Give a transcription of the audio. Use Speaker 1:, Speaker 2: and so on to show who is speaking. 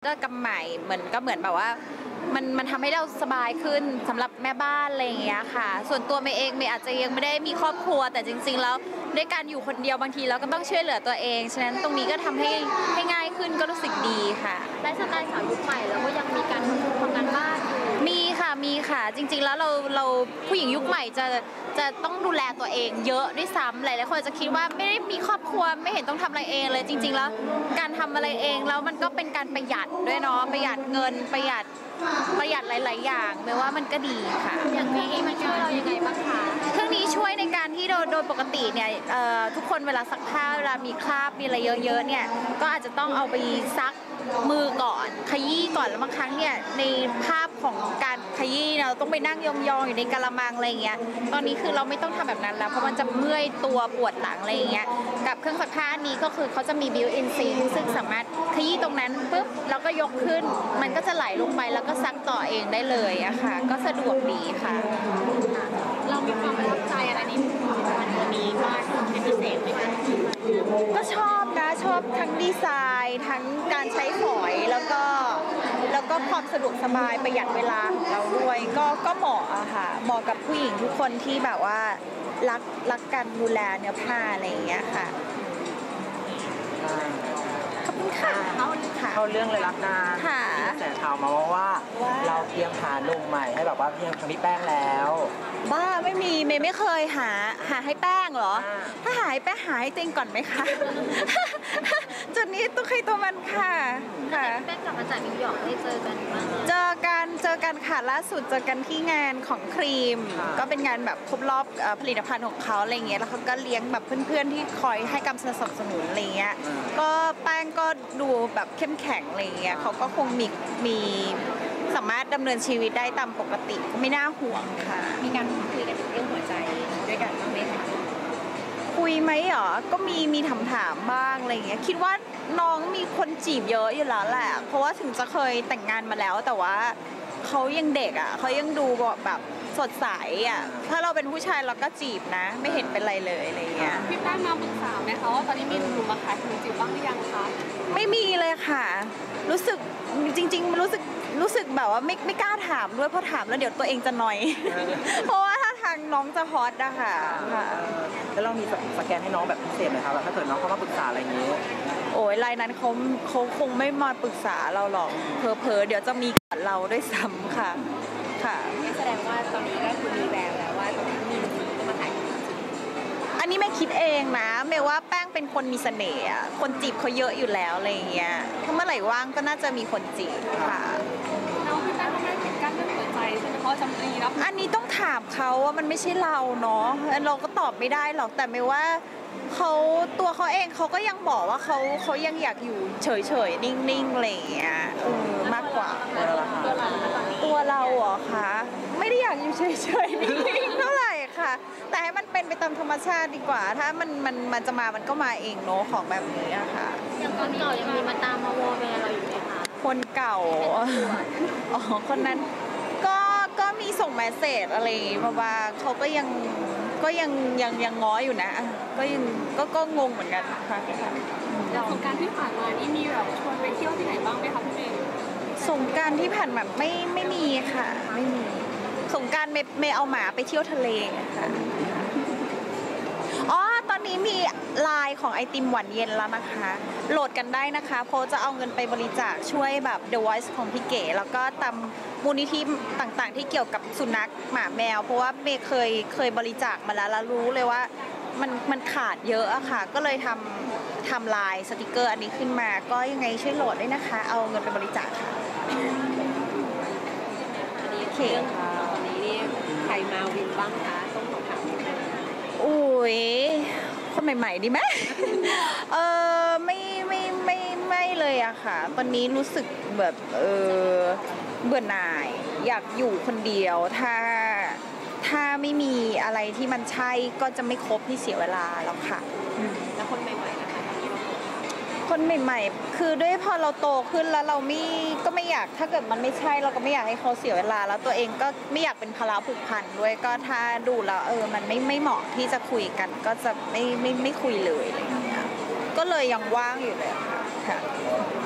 Speaker 1: ก็กำใหม่เหมือนแบบว่ามันทำให้เราสบายขึ้นสำหรับแม่บ้านอะไรอย่างเงี้ยค่ะส่วนตัวเมย์เองเมย์อาจจะยังไม่ได้มีครอบครัวแต่จริงๆแล้วด้วยการอยู่คนเดียวบางทีเราก็ต้องช่วยเหลือตัวเองฉะนั้นตรงนี้ก็ทำให้ง่ายขึ้นก็รู้สึกดีค่ะ
Speaker 2: ไลฟ์สไตล์สาวยุคใหม่แล้วก็ยังมีการทำงานบ้าน
Speaker 1: มีค่ะจริงๆแล้วเราผู้หญิงยุคใหม่จะต้องดูแลตัวเองเยอะด้วยซ้ำหลายคนจะคิดว่าไม่ได้มีครอบครัวไม่เห็นต้องทำอะไรเองเลยจริงๆแล้วการทำอะไรเองแล้วมันก็เป็นการประหยัดด้วยเนาะประหยัดเงินประหยัดหลายๆอย่างแม้ว่ามันก็ดีค่ะ
Speaker 2: อย่างนี้มันช่วยเรายังไงบ้างคะ
Speaker 1: เครื่องนี้ช่วยในการที่โดยปกติเนี่ยทุกคนเวลาซักผ้าเวลามีคราบมีอะไรเยอะๆเนี่ยก็อาจจะต้องเอาไปซักมือก่อนขยี้ก่อนแล้วบางครั้งเนี่ยในภาพของการขยี้เราต้องไปนั่งยองๆอยู่ในกะละมังอะไรเงี้ยตอนนี้คือเราไม่ต้องทำแบบนั้นแล้วเพราะมันจะเมื่อยตัวปวดหลังอะไรเงี้ยกับเครื่องซักผ้านี้ก็คือเขาจะมีบิวอินซิงซึ่งสามารถขยี้ตรงนั้นปุ๊บแล้วก็ยกขึ้นมันก็จะไหลลงไปแล้วก็ซักต่อเองได้เลยอะค่ะก็สะดวกดีค่ะ
Speaker 2: เรามีความประทับใจอะไรในผลิตภัณฑ์ตัวนี้บ้างเป็นพิเศษไหมคะ
Speaker 1: ก็ชอบทั้งดีไซน์ทั้งการใช้ฝอยแล้วก็ความสะดวกสบายประหยัดเวลาของเราด้วยก็เหมาะอะค่ะเหมาะกับผู้หญิงทุกคนที่แบบว่ารักการดูแลเนื้อผ้าอะไรอย่างเงี้ยค่ะขอบคุณค่ะ
Speaker 3: เข้าเรื่องเลยละกันมีกระแสข่าวมาว่าเราเตรียมหาหนุ่มใหม่ให้แบบว่าเพียงทางพี่แป้งแล้ว
Speaker 1: บ้าไม่มีเมย์ไม่เคยหาให้แป้งเหรอถ้าหาให้แป้งหาให้เจงก่อนไหมคะจุดนี้ตัวใครตัวมันค่ะ
Speaker 2: แป้งกลับมาจากนิวยอร์กได้เจอกันบ้าง
Speaker 1: เจอกันค่ะล่าสุดเจอกันที่งานของครีมก็เป็นงานแบบครบรอบผลิตภัณฑ์ของเขาอะไรเงี้ยแล้วเขาก็เลี้ยงแบบเพื่อนๆที่คอยให้การสนับสนุนอะไรเงี้ยก็แป้งก็ดูแบบเข้มแข็งอะไรเงี้ยเขาก็คงมีสามารถดำเนินชีวิตได้ตามปกติก็ไม่น่าห่วงค่ะ
Speaker 2: มีการคุยกันเรื่องหัวใจด้วยกันบ้างไหมคะ
Speaker 1: คุยไหมเหรอก็มีถามบ้างอะไรเงี้ยคิดว่าน้องมีคนจีบเยอะอยู่แล้วแหละเพราะว่าถึงจะเคยแต่งงานมาแล้วแต่ว่าเขายังเด็กอ่ะเขายังดูแบบสดใสอ่ะถ้าเราเป็นผู้ชายเราก็จีบนะไม่เห็นเป็นไรเลยอะไรเงี้ย
Speaker 2: พี่แป้งมาปรึกษาไหมคะว่าตอนนี้มีหนุ่มมาขายขนมจีบบ้างหรือยังคะ
Speaker 1: ไม่มีเลยค่ะรู้สึกจริงๆรู้สึกแบบว่าไม่กล้าถามด้วยเพราะถามแล้วเดี๋ยวตัวเองจะหน่อยเพราะว่าถ้าทางน้องจะฮอตอะค่ะ
Speaker 3: แล้วเรามีสแกนให้น้องแบบพิเศษไหมคะแบบถ้าเกิดน้องเขามาปรึกษาอะไรอย่างนี้
Speaker 1: โอ้ยรายนั้นเขาคงไม่มาปรึกษาเราหรอกเพอเดี๋ยวจะมีกับเราด้วยซ้ำค่ะ
Speaker 2: แสดงว่าตอนนี้ก็คือมีแววแล้วว่ามีหนุ่มจะมาขาย
Speaker 1: อันนี้ไม่คิดเองนะเมย์ว่าแป้งเป็นคนมีเสน่ห์คนจีบเขาเยอะอยู่แล้วอะไรอย่างเงี้ยถ้าเมื่อไหร่ว่างก็น่าจะมีคนจีบค่ะ
Speaker 2: น้องพี่แป้งเขาไม่ปิดกั้นเรื่องหัวใจใช่ไหมเพราะจำรีรับ
Speaker 1: อันนี้ต้องถามเขาว่ามันไม่ใช่เราเนาะเราก็ตอบไม่ได้หรอกแต่เมย์ว่าตัวเขาเองเขาก็ยังบอกว่าเขายังอยากอยู่เฉยๆนิ่งๆอะไรอย่างเงี้ยมากกว่าตัวเราเหรอคะไม่ได้อยากอยู่เฉยๆนิ่งๆเท่าไหร่ค่ะแต่ให้มันเป็นไปตามธรรมชาติดีกว่าถ้ามันจะมามันก็มาเองเนาะของแบบนี้อะค่ะ
Speaker 2: อย่างคนเก่ายังมีมาตามมาวอลแวร์เราอยู่ไหมคะ
Speaker 1: คนเก่าอ๋อคนนั้นก็มีส่งเมสเสจอะไรมาบ้างเขาก็ยังง้ออยู่นะก็งงเหมือนกันค่ะ
Speaker 2: สงกรานต์ที่ผ่านมานี่มีแบบชวนไปเที่ยวที่ไหนบ้างไหมคะพี่เมย์
Speaker 1: สงกรานต์ที่ผ่านมาไม่มีค่ะไม่มีสงกรานต์เมย์เอาหมาไปเที่ยวทะเลค่ะอ๋อตอนนี้มีไลน์ของไอติมหวานเย็นแล้วนะคะโหลดกันได้นะคะเพราะจะเอาเงินไปบริจาคช่วยแบบ The Voice ของพี่เก๋แล้วก็ตามมูลนิธิต่างๆที่เกี่ยวกับสุนัขหมาแมวเพราะว่าเมย์เคยบริจาคมาแล้วรู้เลยว่ามันขาดเยอะอะค่ะก็เลยทำลายสติกเกอร์อันนี้ขึ้นมาก็ยังไงช่วยโหลดด้วยนะคะเอาเงินไปบริจาคค่ะ
Speaker 2: อันนี้เรื่องตอนนี้นี่ใครมาวินบ้างคะต้องถาม
Speaker 1: อุ้ยคนใหม่ๆดีไหมไม่เลยอะค่ะตอนนี้รู้สึกแบบเบื่อหน่ายอยากอยู่คนเดียวถ้าไม่มีอะไรที่มันใช่ก็จะไม่คบที่เสียเวลาแล้วค่ะ
Speaker 2: แล้วคนใหม่ๆนะคะ
Speaker 1: คนใหม่ๆคือด้วยพอเราโตขึ้นแล้วเราก็ไม่อยากถ้าเกิดมันไม่ใช่เราก็ไม่อยากให้เขาเสียเวลาแล้วตัวเองก็ไม่อยากเป็นภาระผูกพันด้วยก็ถ้าดูแล้วมันไม่เหมาะที่จะคุยกันก็จะไม่คุยเลยอะไรอย่างเงี้ยก็เลยยังว่างอยู่เลยค่ะ